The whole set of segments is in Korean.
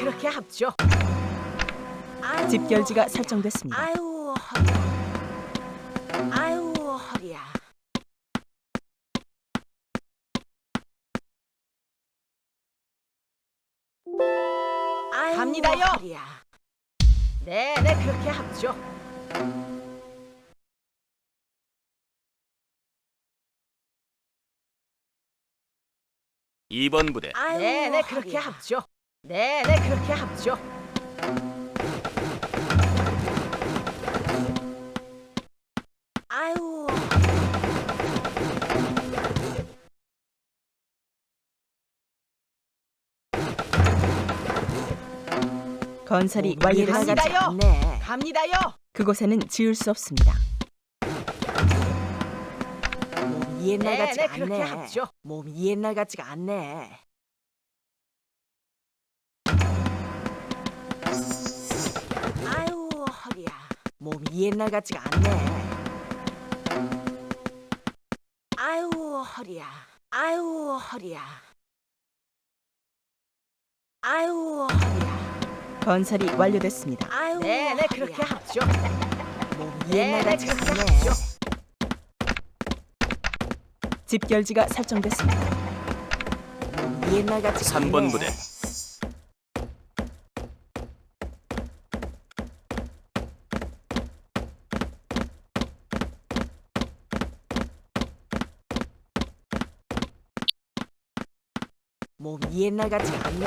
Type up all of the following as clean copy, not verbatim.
그렇게 합죠. 집결지가 설정됐습니다. 아유 허리야. 아유 허리야. 아유, 갑니다요. 허리야. 네네 그렇게 합죠. 2번 부대 아유, 네네 그렇게 허리야. 합죠. 네네 그렇게 합죠. 아유 건설이 몸이 완료됐습니다. 나가지 갑니다요. 않네. 갑니다요. 그곳에는 지을 수 없습니다. 몸이 옛날 네네 같지가 그렇게 않네. 합죠. 몸이 옛날 같지가 않네. 아유 허리야. 몸이 옛날 같지가 않네. 아유 허리야. 아유 허리야. 아유 허리야. 건설이 완료됐습니다. 아유 네네 허리야. 그렇게 합죠. 몸이 옛날 네네 같지가 그렇게 않네. 합죠. 집결지가 설정됐습니다. 몸이 옛날 같지가 않네. 3번 부대 몸이 옛날 같지가 않네.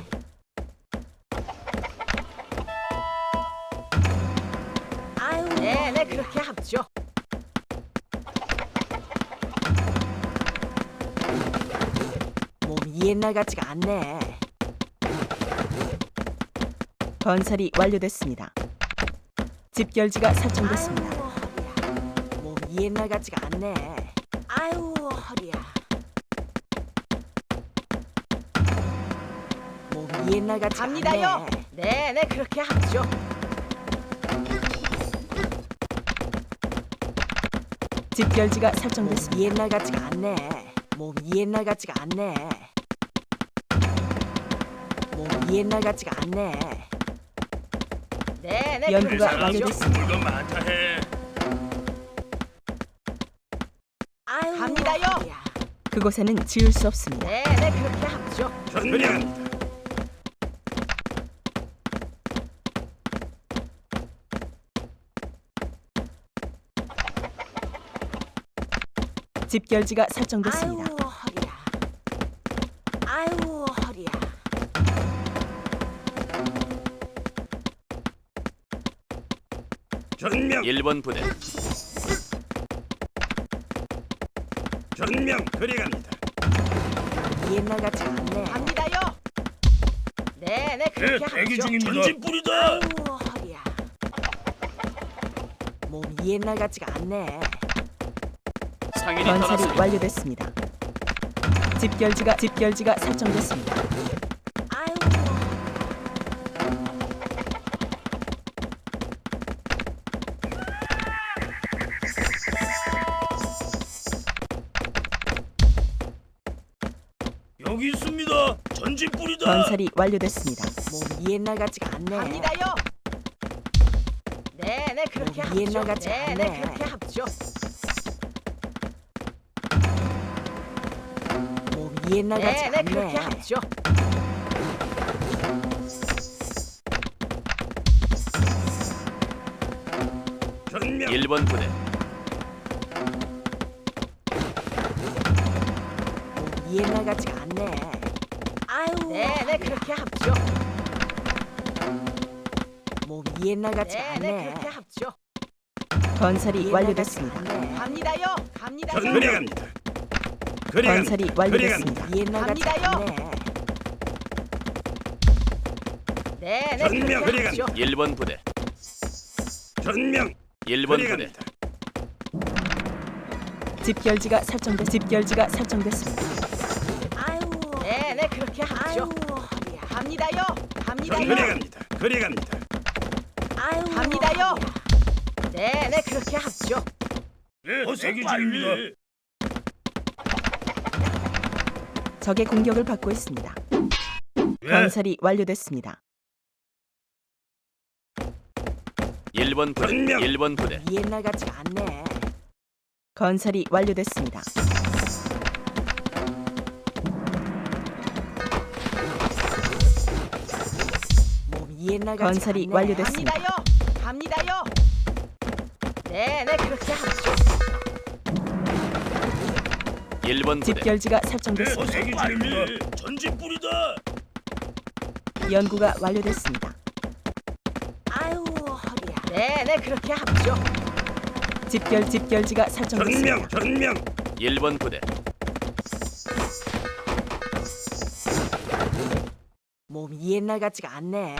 아유 네네 그렇게 합죠. 몸이 옛날 같지가 않네. 건설이 완료됐습니다. 집결지가 설정됐습니다. 아유 허리야. 몸이 옛날 같지가 않네. 아유 허리야. 몸이 옛날 같지가 갑니다요. 않네. 네네 그렇게 합죠. 집결지가 설정됐습니다. 몸이 옛날 같지가 않네. 몸이 옛날 같지가 않네. 몸이 옛날 같지가 않네. 네네 연구가 그렇게 합죠. 완료됐습니다. 물건 많다 해. 아유 갑니다요. 허리야. 그곳에는 지을 수 없습니다. 네네 그렇게 합죠. 전명합니다. 집결지가 아유 설정됐습니다. 허리야. 아유 허리야. 전명 1번 부대 전명 그리갑니다. 옛날 같지가 않네. 갑니다요. 네네 그렇게 합죠. 전진뿌리다. 아유 허리야. 몸이 옛날 같지가 않네. 상인이 건설이 떠났습니다. 완료됐습니다. 집결지가 설정됐습니다. 아유 여기 있습니다. 전진뿌리다. 건설이 완료됐습니다. 몸이 옛날 같지가 않네. 갑니다요. 네네 그렇게 몸이 옛날 합죠. 같지 네네 않네. 그렇게 합죠. 몸이 옛날 같지가 네네 그렇게 않네. 합죠. 전명 1번 부대 몸이 옛날 같지가 않네. 아유 네네 그렇게 합죠. 몸이 옛날 같지가 네네 않네. 그렇게 합죠. 건설이 옛날 완료됐습니다. 같지가 않네. 갑니다요. 갑니다요. 그리갑니다. 건설이 완료됐습니다. 옛날 같지가 갑니다요. 않네. 네네 전명 그렇게 합죠. 1번 부대 전명 1번 부대 집결지가 설정됐습니다. 아유 네네 그렇게 아유 합죠. 허리야. 갑니다요. 갑니다요. 그리갑니다. 아유 갑니다요. 허리야. 네네 그렇게 합죠. 대기 중입니다. 적의 공격을 받고 있습니다. 건설이 완료됐습니다. 1번 부대. 전명. 1번 부대. 옛날 같지가 않네. 건설이 완료됐습니다. 몸이 옛날 같지가 건설이 않네. 완료됐습니다. 갑니다요. 네네 그렇게 하죠. 1번 부대. 집결지가 설정됐습니다. 대기 중입니다. 전진 뿌리다. 연구가 완료됐습니다. 아유 허리야. 네네 그렇게 하죠. 집결지가 설정됐습니다. 전명. 1번 부대. 몸이 옛날 같지가 않네.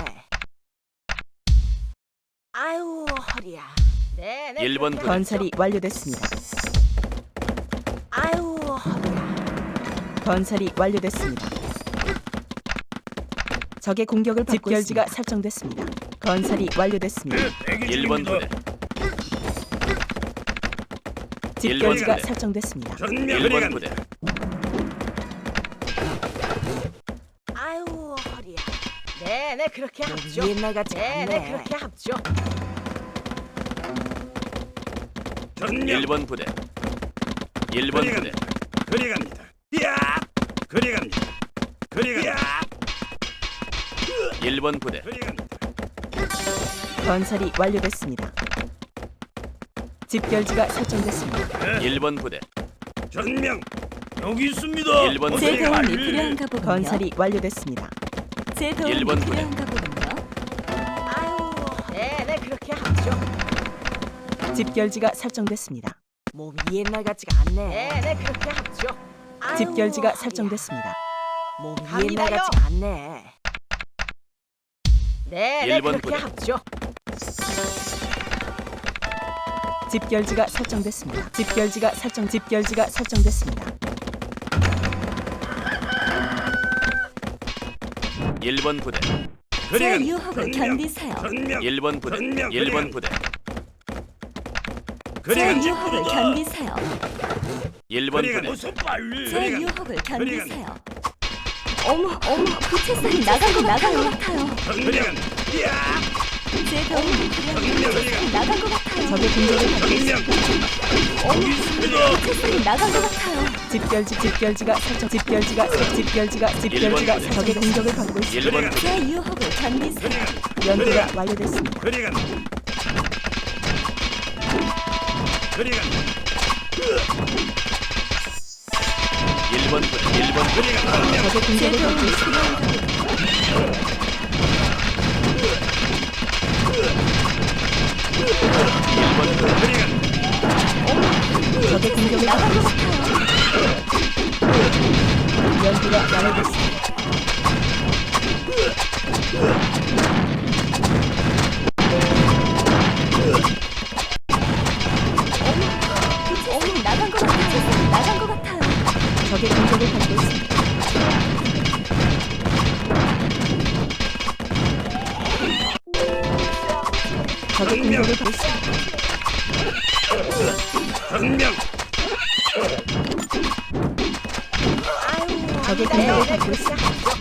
아유 허리야. 네네 1번 그렇게 부대. 건설이 완료됐습니다. 아유 허리야. 건설이 완료됐습니다. 적의 공격을 받고 집결지가 설정됐습니다. 건설이 완료됐습니다. 1번 부대. 집결지가 부대. 설정됐습니다. 전명. 1번 부대. 아유 허리야. 네네 그렇게 몸이 하죠. 옛날 같지가 네네 않네. 그렇게 하죠. 전명. 1번 부대. 1번 부대. 그리 갑니다. 야! 그리 갑니다. 그리 갑니다. 1번 부대. 그리 갑니다. 건설이 완료됐습니다. 집결지가 설정됐습니다. 1번 부대. 전명. 여기 있습니다. 1번 제 부대. 도움이 필요한가 보군요. 건설이 완료됐습니다. 제 도움이 1번 부대. 필요한가 보군요. 아유 네네 그렇게 하죠. 집결지가 설정됐습니다. 몸이 옛날 같지가 않네. 네네 그렇게 하죠. 아유, 집결지가 허리야. 설정됐습니다. 몸이 갑니다요. 옛날 같지가 않네. 네네 1번 그렇게 부대. 하죠. 집결지가 설정됐습니다. 집결지가 설정됐습니다. 1번 부대. 제 유혹을 견디세요. 전명. 1번 부대. 1번 부대. 제 유혹을 견디세요. 1번 부대. 제 유혹을 견디세요. 어머, 그 책상이 나간 것 같아요. 전명. 야! 제 도움이 필요한가 그 책상이 나간 것 같아요. 적의 공격을 받고 전명. 그 책상이 나간 것 같아요. 집결지가 적의 공격을 받고 있습니다. 1번 부대. 제 유혹을 견디세요. 연구가 완료됐습니다. 그리 갑니다. 그리 갑니다. 1번 부대. 1번 그리 갑니다. 적의 제 공격을 받고 도움이 있습니다. 필요한가 보군요. 1번 부대. 그리 갑니다. 적의 공격을 나간 받고 것 있습니다. 같아요. 연구가 완료됐습니다. 나간 것 같아요. 책상이 나간 것 같아요. 적의 공격을 받고 있습니다. 적의 공격을 받고 있습니다. 전명. 적의 공격을 받고 있습니다.